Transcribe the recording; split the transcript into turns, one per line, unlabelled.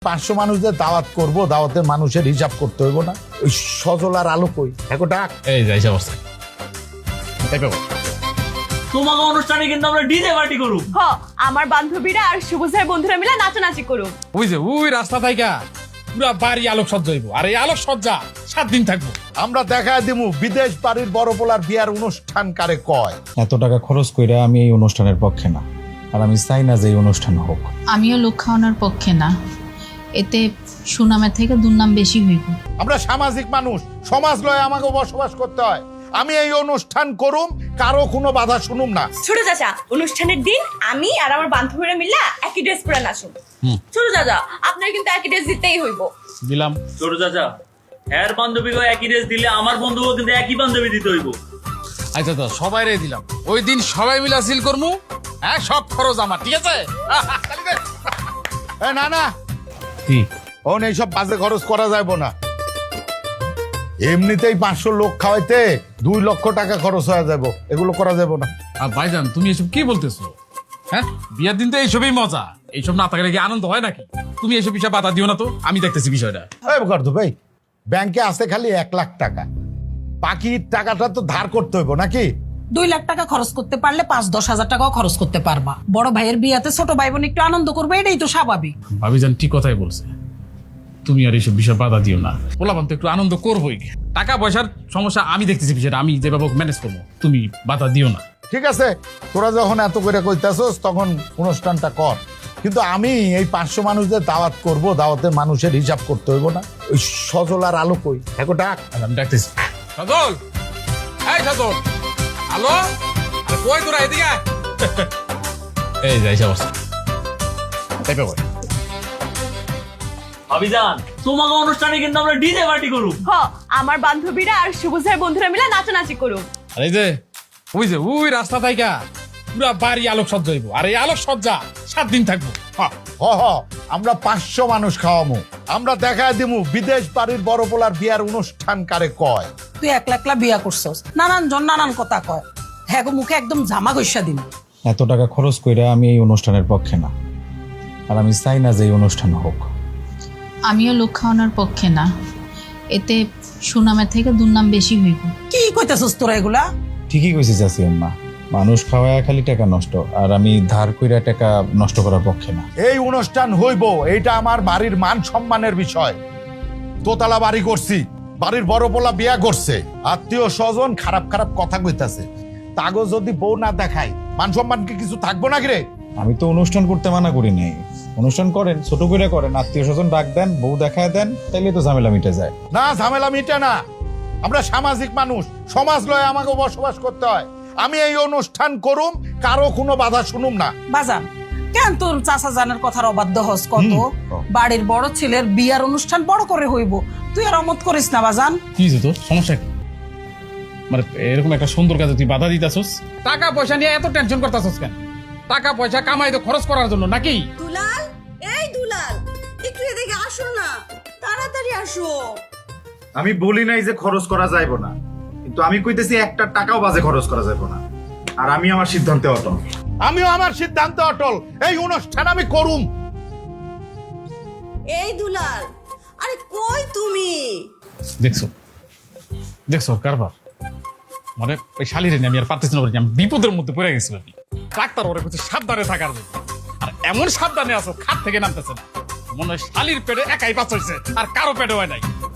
500 মানুষদের দাওয়াত করব, দাওয়াতের মানুষের হিসাব করতে হইব না? ওই সজল আর আলো কই? এখন ডাক।
এই যাই অবস্থা
তোমাকে অনুষ্ঠানে কিন্তু আমরা ডিজে পার্টি করব।
হ, আমার বান্ধবীরা আর শুভজের বন্ধুরা মিলে নাচানাচি করুম।
ওই যে ওই রাস্তা থাইকা পুরা বাড়ি আলোক সজ্জা হইব, আর এই আলোক সজ্জা 7 দিন থাকবো।
আমরা দেখায় দিমু বিদেশ বাড়ির বড় পোলার বিয়ার অনুষ্ঠান কারে কয়।
এত টাকা খরচ কইরা আমি এই অনুষ্ঠানের পক্ষে না, আর আমি চাই না যে এই অনুষ্ঠান হোক।
আমিও লোক খাওয়ানোর পক্ষে না, এতে সুনামের থেকে দুর্নাম বেশি হইব।
আমরা সামাজিক মানুষ, সমাজ লয়ে আমাকে বসবাস করতে হয়। আমি এই অনুষ্ঠান করুম, কারো কোনো বাধা শুনুম না।
ছোট চাচা, অনুষ্ঠানের দিন আমি আর আমার বান্ধবীরা মিলে একই ড্রেস পরে নাচুম। ছোট চাচা, আপনার কিন্তু একই ড্রেস দিতেই হইব।
দিলাম।
ছোট চাচা, এর বান্ধবীকে একই ড্রেস দিলে আমার বন্ধুকে কিন্তু একই বান্ধবী দিতে হইব।
আচ্ছা তো সবাই রে দিলাম, ওই দিন সবাই মিলা সিল করমু। হ্যাঁ, সব খরচ আমার, ঠিক আছে?
না না,
কি
ওন এইসব বাজে খরচ করা যাইব না। এমনিতেই 500 লোক খাওয়াইতে 2 লক্ষ টাকা খরচ হয়ে যাব, এগুলো করা যাব না।
আর ভাইজান, তুমি এসব কি বলতেছো? হ্যাঁ, বিয়ের দিন তো এইসবই মজা, এইসব না থাকলে কি আনন্দ হয় নাকি? তুমি এইসব বিষয়ে বাধা দিও না তো, আমি দেখতেছি বিষয়টা।
এই বকার তো ভাই, ব্যাংকে আছে খালি 1 লাখ টাকা, বাকি টাকাটা তো ধার করতে হইব নাকি?
2 লাখ টাকা খরচ করতে পারলে 5-10 হাজার টাকাও খরচ করতে পারবা। বড় ভাইয়ের বিয়াতে ছোট ভাই বোন একটু আনন্দ করবে, এটাই তো স্বাভাবিক।
ভাবিজান ঠিক কথাই বলছে, তুমি আর এইসব বিষয়ে বাধা দিও না। পোলাপান তো একটু আনন্দ করবোই, টাকা পয়সার সমস্যা আমি দেখতেছি, বিষয়টা আমি যেভাবে ম্যানেজ করবো, তুমি বাধা দিও না।
ঠিক আছে, তোরা যখন এত করে কইতাছস তখন অনুষ্ঠানটা কর, কিন্তু আমি এই 500 মানুষদের দাওয়াত করব, দাওয়াতের মানুষের হিসাব করতে হইব না? ওই সজল আর আলো কই? এখন ডাক।
আমি ডাকতেছি। সজল, এই সজল, আলো, আরে কই তোরা? এদিকে আয়। এই যাই অবস্থা।
ভাবিজান, তোমাকে অনুষ্ঠানে কিন্তু আমরা ডিজে পার্টি করব।
হ, আমার বান্ধবীরা আর শুভজের বন্ধুরা মিলে নাচানাচি করুম।
আর এই যে ওই যে ওই রাস্তা থাইকা পুরা বাড়ি আলোক সজ্জা হইব, আর এই আলোক সজ্জা 7 দিন থাকবো।
আমরা 500 মানুষ খাওয়ামু। আমরা দেখায় দিমু বিদেশ বাড়ির বড় পোলার বিয়ার অনুষ্ঠান কারে কয়।
তুই একলা একলা বিয়া করছস, নানান জন নানান কথা কয়। হ্যাঁ গো, মুখে একদম জামা গৈসা দিন।
এত টাকা খরচ কইরা আমি এই অনুষ্ঠানের পক্ষে না, আর আমি চাই না যে এই অনুষ্ঠান হোক।
আমিও লোক খাওয়ানোর পক্ষে না, এতে সুনামের থেকে দুর্নাম বেশি হইব।
কি কইতাছস তোরা এগুলা?
ঠিকই কইছি চাচি আম্মা, মানুষ খাওয়ায় খালি টাকা নষ্ট, আর আমি ধার কইরা টাকা নষ্ট করার পক্ষে না।
এই অনুষ্ঠান হইব, এইটা আমার বাড়ির মান সম্মানের বিষয়। দোতলা বাড়ি করছি, বাড়ির বড় পোলা বিয়া করছে, আত্মীয় স্বজন খারাপ খারাপ কথা কইতাছে, তাগো যদি বউ না দেখায় মান সম্মান কি কিছু থাকবো নাকি রে?
আমি তো অনুষ্ঠান করতে মানা করি নাই, অনুষ্ঠান করেন, ছোট করে করেন, আত্মীয় স্বজন ডাক দেন, বউ দেখায় দেন, তাইলে তো ঝামেলা মিটে যায়।
না, ঝামেলা মিটে না। আমরা সামাজিক মানুষ, সমাজ লয়ে আমাকে বসবাস করতে হয়। আমি এই অনুষ্ঠান করুম, কারো কোনো বাধা শুনুম না।
বাজান, কেন তোর চাচা জানের কথার অবাধ্য হস? কত বাড়ির বড় ছেলের বিয়ার অনুষ্ঠান বড় করে হইব, তুই আর অমত করিস না বাজান।
কি হয়েছে তোর? সমস্যা কি? মানে এরকম একটা সুন্দর কাজে তুই বাধা দিতাছস? টাকা পয়সা নিয়ে এত টেনশন করতাছস কেন? টাকা পয়সা কামাই তো খরচ করার জন্য নাকি?
দুলাল, এই দুলাল, একটু এদিকে আসো না, তাড়াতাড়ি আসো।
আমি বলি নাই যে খরচ করা যাইব না, কিন্তু আমি কইতেছি একটা টাকাও বাজে খরচ করা যাইব না, আর আমি আমার সিদ্ধান্তে অটল।
আমিও আমার সিদ্ধান্তে অটল, এই অনুষ্ঠান আমি করুম।
এই দুলাল, আরে কই তুমি?
দেখছো দেখছো কারবার, মানে ওই শালিরে নিয়ে আমি আর পারতেছি না, আমি বিপদের মধ্যে পড়ে গেছি। আমি ডাক্তার ওরে কিছু সাবধানে থাকার জন্য, আর এমন সাবধানে আছো খাট থেকে নামতেছে না, মনে হয় শালির পেটে একাই পাচ হয়েছে, আর কারো পেটে হয় নাই।